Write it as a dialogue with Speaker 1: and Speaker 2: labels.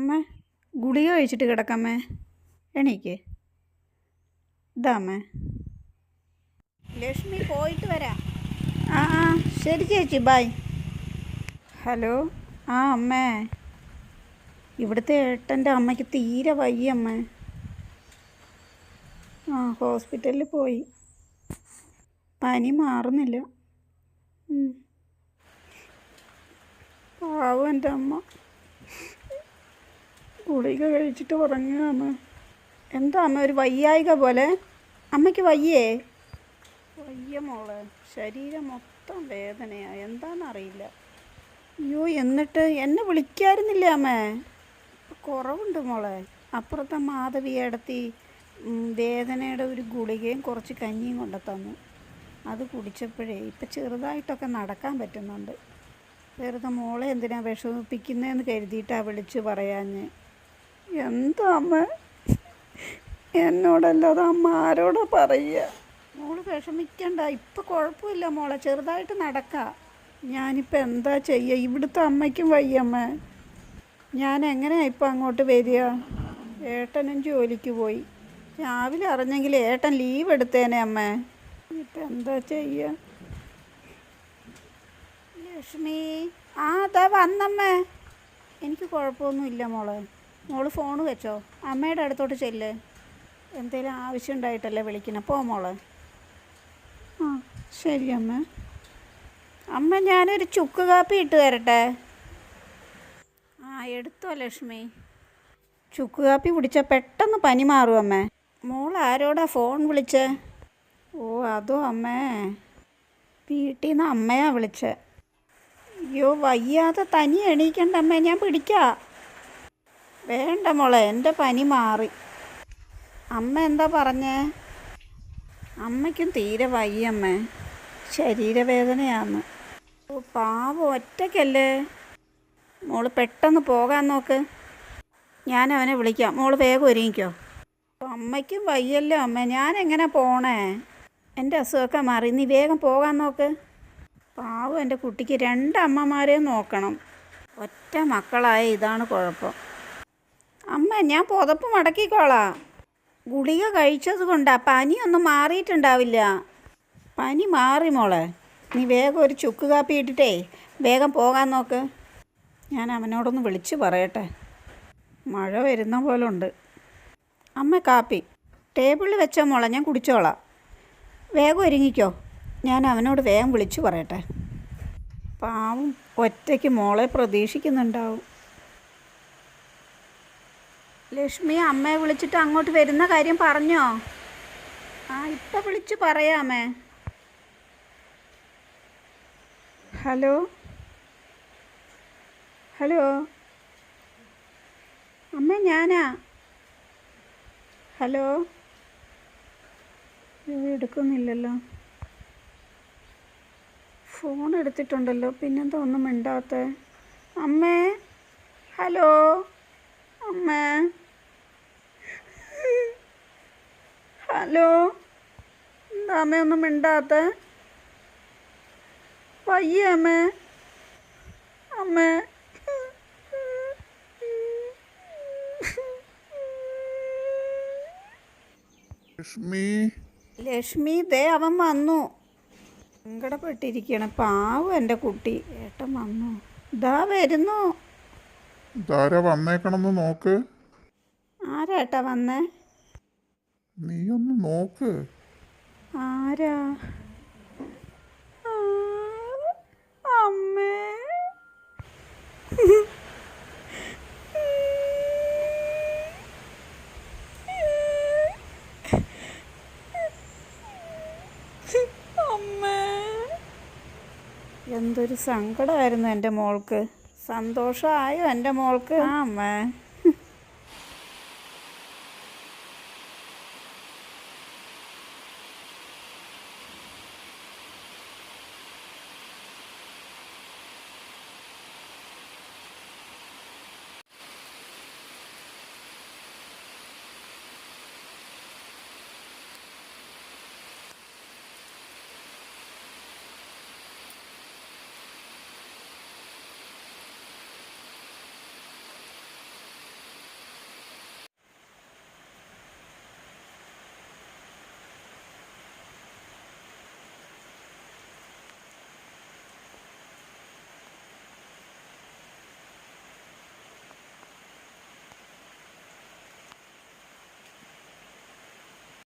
Speaker 1: അമ്മ ഗുളിക കഴിച്ചിട്ട് കിടക്കമ്മേ, എണീക്ക്. ഇതാ അമ്മേ.
Speaker 2: ലക്ഷ്മി പോയിട്ട് വരാം.
Speaker 1: ആ ശരി ചേച്ചി, ബൈ. ഹലോ. അമ്മേ, ഇവിടുത്തെ ഏട്ടൻ്റെ അമ്മയ്ക്ക് തീരെ വയ്യ അമ്മേ. ഹോസ്പിറ്റലിൽ പോയി, പനി മാറുന്നില്ല. പാവം എൻ്റെ അമ്മ ഗുളിക കഴിച്ചിട്ട് ഉറങ്ങുക അമ്മ. എന്താ അമ്മ ഒരു വയ്യായിക പോലെ? അമ്മയ്ക്ക് വയ്യേ? വയ്യ മോളെ, ശരീരം മൊത്തം വേദനയാണ്, എന്താണെന്നറിയില്ല. അയ്യോ, എന്നിട്ട് എന്നെ വിളിക്കായിരുന്നില്ലേ അമ്മേ? കുറവുണ്ട് മോളെ. അപ്പുറത്തെ മാധവി ഏടത്തി വേദനയുടെ ഒരു ഗുളികയും കുറച്ച് കഞ്ഞിയും കൊണ്ട് തന്നു. അത് കുടിച്ചപ്പോഴേ ഇപ്പം ചെറുതായിട്ടൊക്കെ നടക്കാൻ പറ്റുന്നുണ്ട്. വെറുതെ മോളെ എന്തിനാ വിഷമിപ്പിക്കുന്നതെന്ന് കരുതിയിട്ടാണ് വിളിച്ച് പറയാഞ്ഞ്. എന്താ അമ്മ, എന്നോടല്ലാതെ അമ്മ ആരോടാ പറയുക? മോള് വിഷമിക്കണ്ട, ഇപ്പം കുഴപ്പമില്ല മോളെ, ചെറുതായിട്ട് നടക്കാം. ഞാനിപ്പോൾ എന്താ ചെയ്യുക? ഇവിടുത്തെ അമ്മയ്ക്കും വയ്യമ്മ. ഞാൻ എങ്ങനെയാണ് ഇപ്പം അങ്ങോട്ട് വരിക? ഏട്ടനും ജോലിക്ക് പോയി. രാവിലെ അറിഞ്ഞെങ്കിൽ ഏട്ടൻ ലീവ് എടുത്തേനെ അമ്മേ. ഇപ്പം എന്താ ചെയ്യുക? ലക്ഷ്മി, അതാ വന്നമ്മേ. എനിക്ക് കുഴപ്പമൊന്നുമില്ല മോളെ. മോള് ഫോൺ വെച്ചോ, അമ്മയുടെ അടുത്തോട്ട് ചെല്ല്. എന്തെങ്കിലും ആവശ്യം ഉണ്ടായിട്ടല്ലേ വിളിക്കണം. പോ മോളെ. ശരി അമ്മ. അമ്മ, ഞാനൊരു ചുക്ക് കാപ്പി ഇട്ട് തരട്ടെ? എടുത്തോ ലക്ഷ്മി. ചുക്ക് കാപ്പി കുടിച്ചാൽ പെട്ടെന്ന് പനി മാറും അമ്മേ. മോൾ ആരോടാ ഫോൺ വിളിച്ചേ? അതോ അമ്മേ, വീട്ടിൽ നിന്ന് അമ്മയാ വിളിച്ചേ. അയ്യോ, വയ്യാതെ തനി എണീക്കണ്ട അമ്മേ, ഞാൻ പിടിക്കാം. വേണ്ട മോളെ, എൻ്റെ പനി മാറി. അമ്മ എന്താ പറഞ്ഞേ? അമ്മയ്ക്കും തീരെ വയ്യമ്മേ, ശരീരവേദനയാന്ന്. പാവം, ഒറ്റയ്ക്കല്ലേ. മോള് പെട്ടെന്ന് പോകാൻ നോക്ക്, ഞാൻ അവനെ വിളിക്കാം. മോള് വേഗം ഒരുങ്ങിക്കോ. അമ്മയ്ക്കും വയ്യല്ലോ അമ്മ, ഞാൻ എങ്ങനെ പോണേ? എൻ്റെ അസുഖമൊക്കെ മാറി, നീ വേഗം പോകാൻ നോക്ക്. പാവം എൻ്റെ കുട്ടിക്ക് 2 അമ്മമാരെയും നോക്കണം. ഒറ്റ മക്കളായ ഇതാണ് കുഴപ്പം. അമ്മ, ഞാൻ പുതപ്പ് മടക്കിക്കോളാം. ഗുളിക കഴിച്ചത് കൊണ്ടാണ്, പനിയൊന്നും മാറിയിട്ടുണ്ടാവില്ല. പനി മാറി മോളെ, നീ വേഗം ഒരു ചുക്ക് കാപ്പി ഇട്ടിട്ടേ വേഗം പോകാൻ നോക്ക്. ഞാൻ അവനോടൊന്ന് വിളിച്ച് പറയട്ടെ, മഴ വരുന്ന പോലെ ഉണ്ട്. അമ്മ, കാപ്പി ടേബിളിൽ വെച്ചോ മോളെ, ഞാൻ കുടിച്ചോളാം. വേഗം ഒരുങ്ങിക്കോ, ഞാൻ അവനോട് വേഗം വിളിച്ചു പറയട്ടെ. പാവം ഒറ്റയ്ക്ക് മോളെ പ്രതീക്ഷിക്കുന്നുണ്ടാവും. ലക്ഷ്മി, അമ്മയെ വിളിച്ചിട്ട് അങ്ങോട്ട് വരുന്ന കാര്യം പറഞ്ഞോ? ഇപ്പം വിളിച്ച് പറയാമേ. ഹലോ. അമ്മ, ഞാനാ. ഹലോ. എടുക്കുന്നില്ലല്ലോ. ഫോൺ എടുത്തിട്ടുണ്ടല്ലോ, പിന്നെന്താ ഒന്നും മിണ്ടാത്ത? അമ്മേ, ഹലോ അമ്മേ. ഹലോ, എന്താ അമ്മ ഒന്നും മിണ്ടാത്ത? വയ്യ അമ്മേ. അമ്മേ, ലക്ഷ്മി, ദേ അവൻ വന്നു. സങ്കടപ്പെട്ടിരിക്കണം, പാവം എൻ്റെ കുട്ടി. ഏട്ടൻ വന്നു, ഇതാ വരുന്നു.
Speaker 3: വന്നേക്കണമെന്ന് നോക്ക്.
Speaker 1: ആരാട്ടാ വന്നേ?
Speaker 3: നീ ഒന്ന് നോക്ക്.
Speaker 1: ആരാ? അമ്മേ. എന്തൊരു സങ്കടമായിരുന്നു എൻ്റെ മോൾക്ക്. സന്തോഷമായോ എൻ്റെ മോൾക്ക്? അമ്മേ.